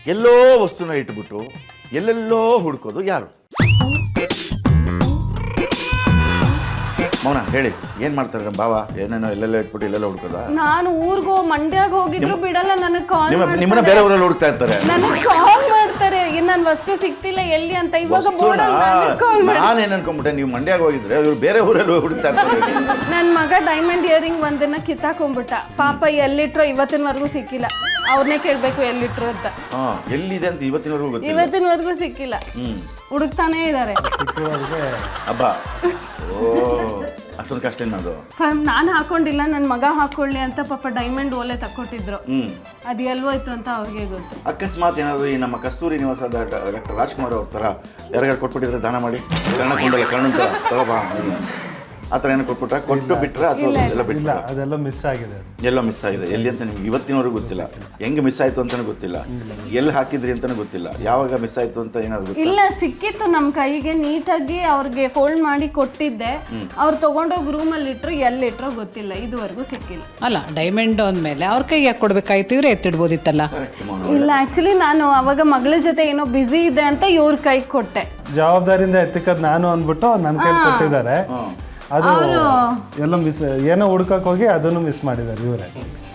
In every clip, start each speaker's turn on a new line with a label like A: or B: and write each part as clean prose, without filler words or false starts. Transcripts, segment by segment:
A: ಎಲ್ಲೋ ವಸ್ತುನ ಇಟ್ಬಿಟ್ಟು ಎಲ್ಲೆಲ್ಲೋ ಹುಡ್ಕೋದು ಯಾರು? ಮೌನ ಹೇಳಿ, ಏನ್ ಮಾಡ್ತಾರೆ ನಮ್ಮ ಭಾವ? ಏನೇನೋ ಎಲ್ಲೆಲ್ಲೋ ಇಟ್ಬಿಟ್ಟು ಎಲ್ಲೆಲ್ಲೋ ಹುಡ್ಕೋದ?
B: ನಾನು ಊರ್ಗೋ ಮಂಡ್ಯಾಗ ಹೋಗಿದ್ರು ಬಿಡಲ್ಲ, ನನಗೆ ಕಾಲ್
A: ನಿಮ್ಮನ್ನ ಬೇರೆ ಊರಲ್ಲಿ ಹುಡುಕ್ತಾ ಇರ್ತಾರೆ.
B: ನನಗೆ ಕಾಲ್ ಮಾಡ್ತಾರೆ, ನನ್ನ ವಸ್ತು ಸಿಕ್ತಿಲ್ಲ ಎಲ್ಲಿ ಅಂತ. ಇವಾಗ
A: ನಾನೇನ್ ಅನ್ಕೊಂಡ್ಬಿಟ್ಟೆ ನೀವು ಮಂಡ್ಯಾಗ ಹೋಗಿದ್ರೆ ಇವ್ರು ಬೇರೆ ಊರಲ್ಲಿ ಹುಡುಕ್ತಾ ಇರ್ತಾರೆ.
B: ನನ್ನ ಮಗ ಡೈಮಂಡ್ ಇಯರಿಂಗ್ ಒಂದನ್ನ ಕಿತ್ತಾಕೊಂಡ್ಬಿಟ್ಟ. ಪಾಪ ಎಲ್ಲಿಟ್ರೋ ಇವತ್ತಿನವರೆಗೂ ಸಿಕ್ಕಿಲ್ಲ. ಅವ್ರನ್ನೇ ಕೇಳ್ಬೇಕು ಎಲ್ಲಿಟ್ರು ಅಂತ.
A: ಎಲ್ಲಿದೆ ಅಂತ
B: ಇವತ್ತಿನವರೆಗೂ ಸಿಕ್ಕಿಲ್ಲ. ಹುಡುಕ್ತಾನೇ ಇದಾರೆ.
A: ಹಬ್ಬ ಅಷ್ಟೊಂದು ಕಷ್ಟ ಏನಾದ್ರು
B: ನಾನು ಹಾಕೊಂಡಿಲ್ಲ, ನನ್ನ ಮಗ ಹಾಕೊಳ್ಳಿ ಅಂತ ಪಾಪ ಡೈಮಂಡ್ ಓಲೆ ತಕ್ಕೊಟ್ಟಿದ್ರು. ಅದು ಎಲ್ವೋಯ್ತು ಅಂತ ಅವ್ರಿಗೆ ಗೊತ್ತು.
A: ಅಕಸ್ಮಾತ್ ಏನಾದ್ರು ಈ ನಮ್ಮ ಕಸ್ತೂರಿ ನಿವಾಸದ ಡಾಕ್ಟರ್ ರಾಜ್ಕುಮಾರ್ ಅವ್ರ ತರ ಯಾರಿಗಾರು ಕೊಟ್ಬಿಟ್ಟಿದ್ರೆ ದಾನ ಮಾಡಿ, ಕರ್ಣಕೊಂಡಲ್ಲ ಕರ್ಣ ತಗೋಬಾ ಆ ಥರ ಏನೋ ಕೊಟ್ಬಿಟ್ರೆ ಕೊಟ್ಟು ಬಿಟ್ರೆ ಅಥವಾ ಎಲ್ಲ ಬಿಟ್ಟಿಲ್ಲ?
C: ಅದೆಲ್ಲ ಮಿಸ್ ಆಗಿದೆ.
A: ಎಲ್ಲ ಮಿಸ್ ಆಗಿದೆ. ಎಲ್ಲಿ ಅಂತ ನಿಮ್ಗೆ ಇವತ್ತಿನವರೆಗೂ ಗೊತ್ತಿಲ್ಲ. ಹೆಂಗೆ ಮಿಸ್ ಆಯ್ತು ಅಂತಾನೆ ಗೊತ್ತಿಲ್ಲ, ಎಲ್ಲಿ ಹಾಕಿದ್ರಿ ಅಂತಾನೆ ಗೊತ್ತಿಲ್ಲ, ಯಾವಾಗ ಮಿಸ್ ಆಯ್ತು ಅಂತ ಏನಾದ್ರು
B: ಇಲ್ಲ. ಸಿಕ್ಕಿತ್ತು ನಮ್ಮ ಕೈಗೆ, ನೀಟಾಗಿ ಅವ್ರಿಗೆ ಫೋಲ್ಡ್ ಮಾಡಿ ಕೊಟ್ಟಿದ್ದೆ. ಅವ್ರು ತಗೊಂಡೋಗಿ ರೂಮಲ್ಲಿ ಇಟ್ರು, ಎಲ್ಲಿಟ್ರೋ ಗೊತ್ತಿಲ್ಲ, ಇದುವರೆಗೂ ಸಿಕ್ಕಿಲ್ಲ.
D: ಅಲ್ಲ, ಡೈಮಂಡ್ ಅಂದಮೇಲೆ ಅವ್ರ ಕೈಗೆ ಯಾಕೆ ಕೊಡ್ಬೇಕಾಯ್ತು? ಇವರೇ ಎತ್ತಿಡ್ಬೋದಿತ್ತಲ್ಲ.
B: ಇಲ್ಲ, ಆಕ್ಚುಲಿ ನಾನು ಅವಾಗ ಮಗಳ ಜೊತೆ ಏನೋ ಬಿಸಿ ಇದೆ ಅಂತ ಇವ್ರ ಕೈಗೆ ಕೊಟ್ಟೆ.
C: ಜವಾಬ್ದಾರಿಯಿಂದ ಎತ್ತಿಕದ್ ನಾನು ಅಂದ್ಬಿಟ್ಟು ನನ್ನ ಕೈ ಕೊಟ್ಟಿದ್ದಾರೆ. ಅದು ಎಲ್ಲ ಮಿಸ್, ಏನೋ ಹುಡ್ಕಕ್ ಹೋಗಿ ಅದನ್ನು ಮಿಸ್ ಮಾಡಿದ್ದಾರೆ ಇವರೇ.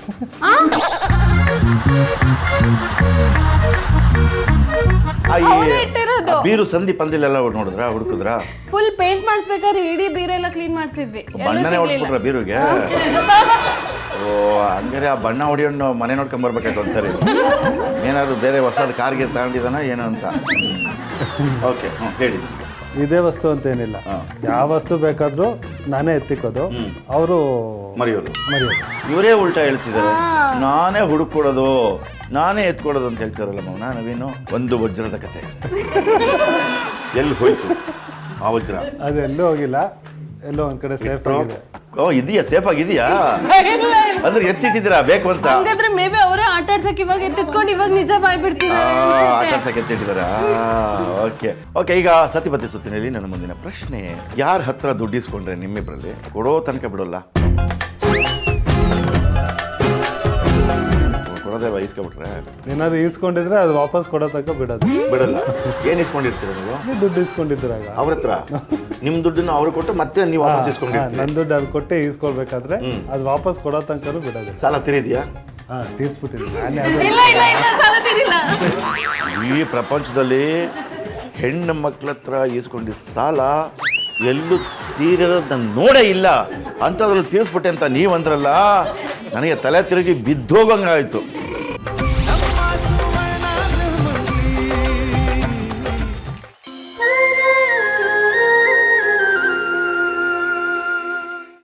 A: ಬೀರು ಸಂಧಿ ಪಂದಿಲೆಲ್ಲ ನೋಡಿದ್ರ ಹುಡುಕಿದ್ರ?
B: ಫುಲ್ ಪೇಂಟ್ ಮಾಡಿಸ್ಬೇಕಾದ್ರೆ ಇಡೀ ಬೀರೆಲ್ಲ ಕ್ಲೀನ್ ಮಾಡಿಸಿದ್ವಿ.
A: ಬಣ್ಣನೇ ಹೊಡ್ಬಿಟ್ರ ಬೀರುಗೆ? ಓ ಹಂಗಾರೆ ಆ ಬಣ್ಣ ಹೊಡಿಯೋಣ ಮನೆ ನೋಡ್ಕೊಂಡ್ ಬರ್ಬೇಕಾಯ್ತು ಒಂದ್ಸರಿ. ಏನಾದ್ರು ಬೇರೆ ಹೊಸದು ಕಾರ್ಗೆ ತಗೊಂಡಿದಾನ ಏನೋ ಅಂತ. ಓಕೆ, ಹೇಳಿ.
C: ಇದೇ ವಸ್ತು ಅಂತ ಏನಿಲ್ಲ, ಯಾವ ವಸ್ತು ಬೇಕಾದ್ರೂ ನಾನೇ ಎತ್ತಿಕೋದು, ಅವರು
A: ಮರೆಯೋದು. ಇವರೇ ಉಲ್ಟಾ ಹೇಳ್ತಿದ್ದಾರೆ, ನಾನೇ ಹುಡುಕೊಡೋದು ನಾನೇ ಎತ್ಕೊಡೋದು ಅಂತ ಹೇಳ್ತಾರಲ್ಲ ಮೌನ. ನವೀನು ಒಂದು ವಜ್ರದ ಕತೆ ಎಲ್ಲಿ ಹೋಯ್ತು ಆ ವಜ್ರ?
C: ಅದೆಲ್ಲೂ ಹೋಗಿಲ್ಲ, ಎಲ್ಲೋ ಒಂದ್ ಕಡೆ ಸೇಫ್ ಆಗಿದೆ.
A: ಓ ಇದೆಯಾ? ಸೇಫ್ ಆಗಿದೆಯಾ? ಅಂದ್ರೆ ಎತ್ತಿಟ್ಟಿದ್ದೀರಾ ಬೇಕು ಅಂತ?
B: ಹಾಗಾದ್ರೆ ಮೇ ಬಿ ಅವರೇ ಆಟ ಆಡ್ಸಕ್ಕೆ ಇವಾಗ ಎತ್ತಿಟ್ಕೊಂಡು ಇವಾಗ ನಿಜ ಬಾಯ್ಬಿಡ್ತಿದ್ದಾರೆ.
A: ಆಟ ಆಡ್ಸಕ್ಕೆ ಎತ್ತಿಟ್ಟಿದ್ದಾರಾ? Okay okay. ಈಗ ಸತಿಪತಿ ಸುತ್ತಿನಲ್ಲಿ ನನ್ನ ಮುಂದಿನ ಪ್ರಶ್ನೆ, ಯಾರ ಹತ್ರ ದುಡ್ಡು ಇಸ್ಕೊಂಡ್ರೆ ನಿಮ್ಮಿಬ್ಬರಲ್ಲಿ ಕೊಡೋ ತನಕ ಬಿಡೋಲ್ಲ? ಕೊಡೋದೇ ಇಸ್ಕೊಬಿಟ್ರೆ?
C: ಏನಾದ್ರು ಈಸ್ಕೊಂಡಿದ್ರೆ ಅದು ವಾಪಸ್ ಕೊಡೋ ತನಕ
A: ಬಿಡಲ್ಲ. ಏನ್ ಇಸ್ಕೊಂಡಿರ್ತೀರ ನೀವು?
C: ದುಡ್ಡು ಇಸ್ಕೊಂಡಿದ್ರಾಗ ಅವ್ರ
A: ಹತ್ರ ನಿಮ್ ದುಡ್ಡನ್ನು ಅವ್ರು ಕೊಟ್ಟು ಮತ್ತೆ ನೀವು ವಾಪಸ್ ಇಸ್ಕೊಂಡಿರ್ತೀರಿ.
C: ನನ್ನ ದುಡ್ಡು ಅದು ಕೊಟ್ಟೆ ಈಸ್ಕೊಳ್ಬೇಕಾದ್ರೆ ಅದು ವಾಪಸ್ ಕೊಡೋ ತನಕ ಬಿಡೋದು.
A: ಸಾಲ ತೀರಿದ್ಯಾ?
C: ತೀರ್ಸ್ಬಿಟ್ಟಿದ್ದೀನಿ.
A: ಈ ಪ್ರಪಂಚದಲ್ಲಿ ಹೆಣ್ಣು ಮಕ್ಳ ಹತ್ರ ಈಸ್ಕೊಂಡಿದ್ದ ಸಾಲ ಎಲ್ಲೂ ತೀರೋದು ನಾನು ನೋಡೇ ಇಲ್ಲ. ಅಂಥದ್ರಲ್ಲಿ ತೀರಿಸ್ಬಿಟ್ಟೆ ಅಂತ ನೀವಂದ್ರಲ್ಲ, ನನಗೆ ತಲೆ ತಿರುಗಿ ಬಿದ್ದೋಗಂಗಾಯ್ತು.